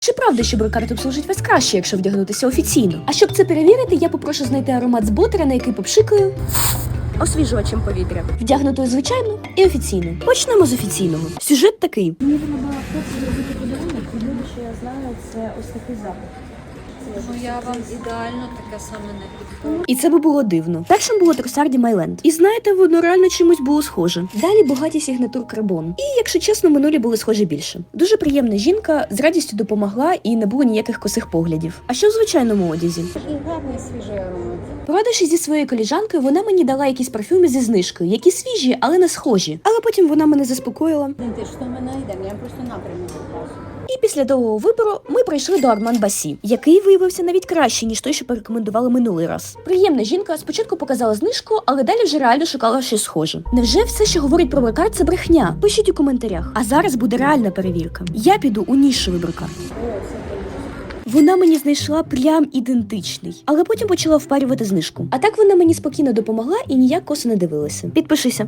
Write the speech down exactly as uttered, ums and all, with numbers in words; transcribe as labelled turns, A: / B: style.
A: Чи правда, що брикард обслужить вас краще, якщо вдягнутися офіційно? А щоб це перевірити, я попрошу знайти аромат з ботера, на який попшикаю освіжувачем повітря. Вдягнутою звичайно і офіційно. Почнемо з офіційного. Сюжет такий.
B: Мені треба хлопці зробити подарунок, і люди, що я знаю, це ось такий запах.
C: Ну я вам ідеально таке саме не підходить.
A: І це би було дивно. Першим було Тросарді Майленд. І знаєте, воно реально чимось було схоже. Далі багаті Сігнатур Карбон. І, якщо чесно, минулі були схожі більше. Дуже приємна жінка, з радістю допомогла і не було ніяких косих поглядів. А що в звичайному одязі?
B: І гарний свіжий аромат.
A: Порадившись зі своєю коліжанкою, вона мені дала якісь парфюми зі знижкою, які свіжі, але не схожі. Але потім вона мене заспокоїла.
B: Ти що ми знайдемо, я просто напрямок покажу.
A: І після довгого вибору ми прийшли до Арман Басі, який виявився навіть краще, ніж той, що порекомендували минулий раз. Приємна жінка спочатку показала знижку, але далі вже реально шукала щось схоже. Невже все, що говорить про брикард, це брехня? Пишіть у коментарях. А зараз буде реальна перевірка. Я піду у нішевий брикард. Вона мені знайшла прям ідентичний, але потім почала впарювати знижку. А так вона мені спокійно допомогла і ніяк косо не дивилася. Підпишися.